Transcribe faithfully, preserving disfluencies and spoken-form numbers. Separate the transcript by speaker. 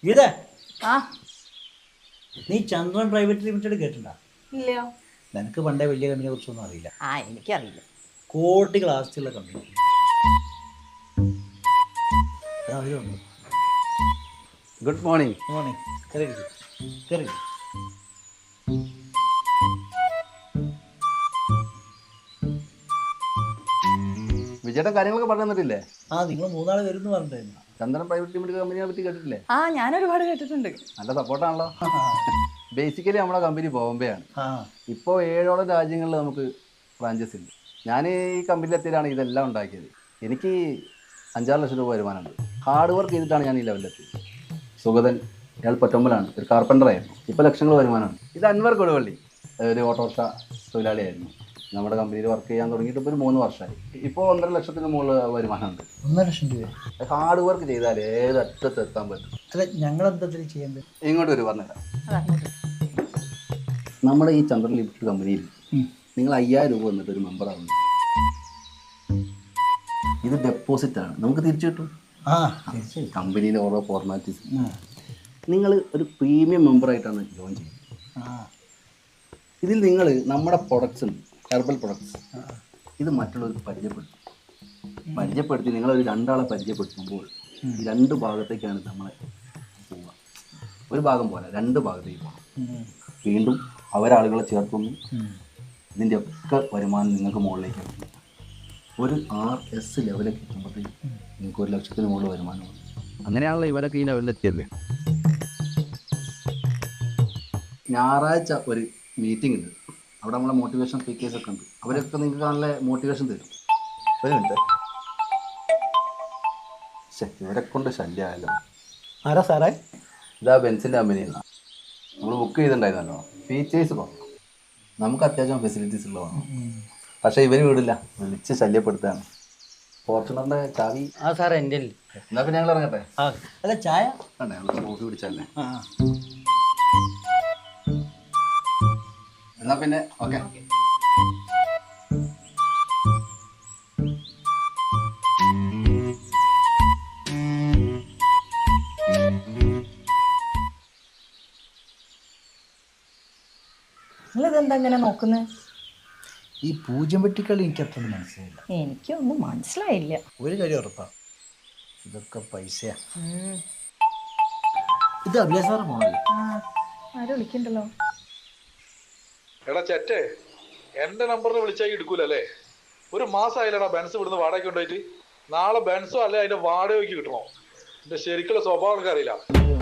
Speaker 1: ഗീത,
Speaker 2: ആ
Speaker 1: നീ ചന്ദ്രൻ private limited കേട്ടിട്ടുണ്ടോ?
Speaker 2: ഇല്ലയോ?
Speaker 1: നിനക്ക് പണ്ടേ വലിയ കമ്പനിയെ കുറിച്ചൊന്നും അറിയില്ല.
Speaker 2: ആ എനിക്കറിയില്ല.
Speaker 1: കോടികൾ ആസ്തിയുള്ള കമ്പനി.
Speaker 3: Good morning.
Speaker 1: മോർണിംഗ്. കയറി കയറി.
Speaker 3: വിജയുടെ കാര്യങ്ങളൊക്കെ പറഞ്ഞു തന്നിട്ടില്ലേ?
Speaker 1: ആ, നിങ്ങൾ മൂന്നാള് വരുന്നു പറഞ്ഞിട്ടായിരുന്നു.
Speaker 3: ചന്ദനം പ്രൈവറ്റ് ലിമിറ്റഡ് കമ്പനിയെ പറ്റി കേട്ടിട്ടില്ലേ?
Speaker 2: ആ ഞാൻ ഒരുപാട് കേട്ടിട്ടുണ്ട്.
Speaker 3: നല്ല സപ്പോർട്ടാണല്ലോ. ബേസിക്കലി നമ്മുടെ കമ്പനി ബോംബെ ആണ്.
Speaker 1: ആ,
Speaker 3: ഇപ്പോൾ ഏഴോളം രാജ്യങ്ങളിൽ നമുക്ക് ബ്രാഞ്ചസ് ഉണ്ട്. ഞാൻ ഈ കമ്പനിയിലെത്തിയതാണ് ഇതെല്ലാം ഉണ്ടാക്കിയത്. എനിക്ക് അഞ്ചാറ് ലക്ഷം രൂപ വരുമാനമുണ്ട്. ഹാർഡ് വർക്ക് ചെയ്തിട്ടാണ് ഞാൻ ഈ ലെവലിലെത്തിയത്. സുഗതൻ, ഇയാൾ പൊറ്റമ്പലാണ്, ഒരു കാർപ്പൻ്ററായിരുന്നു. ഇപ്പോൾ ലക്ഷങ്ങൾ വരുമാനമാണ്. ഇത് അൻവർ കൊടുവള്ളി, ഒരു ഓട്ടോറിക്ഷ തൊഴിലാളിയായിരുന്നു. നമ്മുടെ കമ്പനിയിൽ വർക്ക് ചെയ്യാൻ തുടങ്ങിയിട്ട് ഇപ്പോൾ ഒരു മൂന്ന് വർഷമായി. ഇപ്പോൾ ഒന്നര ലക്ഷത്തിന് മുകളിൽ വരുമാനമുണ്ട്.
Speaker 1: ഒന്നര ലക്ഷം രൂപ.
Speaker 3: ഹാർഡ് വർക്ക് ചെയ്താൽ ഏത് അറ്റത്ത് എത്താൻ പറ്റും.
Speaker 1: അല്ല, ഞങ്ങൾ എന്താ ചെയ്യേണ്ടത്?
Speaker 3: ഇങ്ങോട്ട് ഒരു പറഞ്ഞുതരാം. നമ്മുടെ ഈ ചന്ദ്രൻ ലിമിറ്റഡ് കമ്പനിയിൽ നിങ്ങൾ അയ്യായിരം രൂപ വന്നിട്ട് ഒരു മെമ്പറാവുന്നു. ഇത് ഡെപ്പോസിറ്റാണ്, നമുക്ക് തിരിച്ചു കിട്ടും.
Speaker 1: ആ,
Speaker 3: കമ്പനിയിലെ ഓരോ ഫോർമാലിറ്റീസ്. നിങ്ങൾ ഒരു പ്രീമിയം മെമ്പറായിട്ടാണ് ജോയിൻ ചെയ്യുന്നത്. ഇതിൽ നിങ്ങൾ നമ്മുടെ പ്രൊഡക്ട്സ് ഉണ്ട്, ഹെർബൽ പ്രൊഡക്ട്സ്, ഇത് മറ്റുള്ളവർക്ക് പരിചയപ്പെടുത്തും. പരിചയപ്പെടുത്തി നിങ്ങളൊരു രണ്ടാളെ പരിചയപ്പെടുത്തുമ്പോൾ ഈ രണ്ട് ഭാഗത്തേക്കാണ് നമ്മളെ പോവുക. ഒരു ഭാഗം പോലെ രണ്ട് ഭാഗത്തേക്ക് പോകണം. വീണ്ടും അവരാളുകളെ ചേർക്കുന്നു. ഇതിൻ്റെ ഒക്കെ വരുമാനം നിങ്ങൾക്ക് മുകളിലേക്ക് എത്തുന്നു. ഒരു ആർ എസ് ലെവലിലേക്ക് എത്തുമ്പോഴത്തേക്ക് നിങ്ങൾക്ക് ഒരു ലക്ഷത്തിന് മുകളിൽ വരുമാനമാണ്. അങ്ങനെയാണല്ലോ ഇവരൊക്കെ ഈ ലെവലിലെത്തിയത്. ഞായറാഴ്ച ഒരു മീറ്റിംഗ് ഉണ്ട്. അവിടെ നമ്മളെ മോട്ടിവേഷൻ സ്പീക്കേഴ്സ് ഒക്കെ ഉണ്ട്. അവരൊക്കെ നിങ്ങൾക്ക് നല്ല മോട്ടിവേഷൻ തരും. ഒരു മിനിറ്റ്. ശേ, ഇവരെ കൊണ്ട് ശല്യമായല്ലോ.
Speaker 1: ആരാ സാറേ?
Speaker 3: ഇതാ ബെൻസിൻ്റെ കമ്പനിയിൽ നിന്നാണ്. നമ്മൾ ബുക്ക് ചെയ്തിട്ടുണ്ടായിരുന്നല്ലോ. ഫീച്ചേഴ്സ് കുറവ്, നമുക്ക് അത്യാവശ്യം ഫെസിലിറ്റീസ് ഉള്ളതാണ്. പക്ഷേ ഇവർ വിടില്ല, വിളിച്ച് ശല്യപ്പെടുത്തുകയാണ്. ഫോർച്യൂണറിൻ്റെ ചാവി.
Speaker 4: ആ സാറേ എൻ്റെ.
Speaker 3: എന്നാൽ പിന്നെ ഞങ്ങൾ ഇറങ്ങട്ടെ.
Speaker 1: ആ, അല്ല ചായ
Speaker 3: വേണ്ടേ, ഞങ്ങൾ കോഫി പിടിച്ചല്ലേ.
Speaker 1: ആ,
Speaker 3: എന്നാൽ പിന്നെ ഓക്കെ.
Speaker 2: നിങ്ങളിതെന്താ ഇങ്ങനെ നോക്കുന്നത്?
Speaker 1: ഈ പൂജ്യം വെട്ടിക്കളി എനിക്ക് അത്ര മനസ്സിലായില്ല.
Speaker 2: എനിക്കൊന്നും മനസ്സിലായില്ല.
Speaker 1: ഒരു കാര്യം ഉറപ്പാണ്, ഇതൊക്കെ പൈസയാ. ഇത് അഭിലാഷ് സാറ് പോണല്ലേ?
Speaker 2: ആ ആരും വിളിക്കണ്ടല്ലോ.
Speaker 5: എടാ ചെറ്റേ, എന്റെ നമ്പറിൽ വിളിച്ചാൽ എടുക്കൂലല്ലേ? ഒരു മാസമായില്ലടാ ബെൻസ് ഇവിടുന്ന് വാടകയ്ക്ക് കൊണ്ടുപോയിട്ട്. നാളെ ബെൻസോ അല്ലെ അതിന്റെ വാടകയ്ക്ക് കിട്ടണോ? എന്റെ ശരിക്കുള്ള സ്വഭാവം എനിക്ക് അറിയില്ല.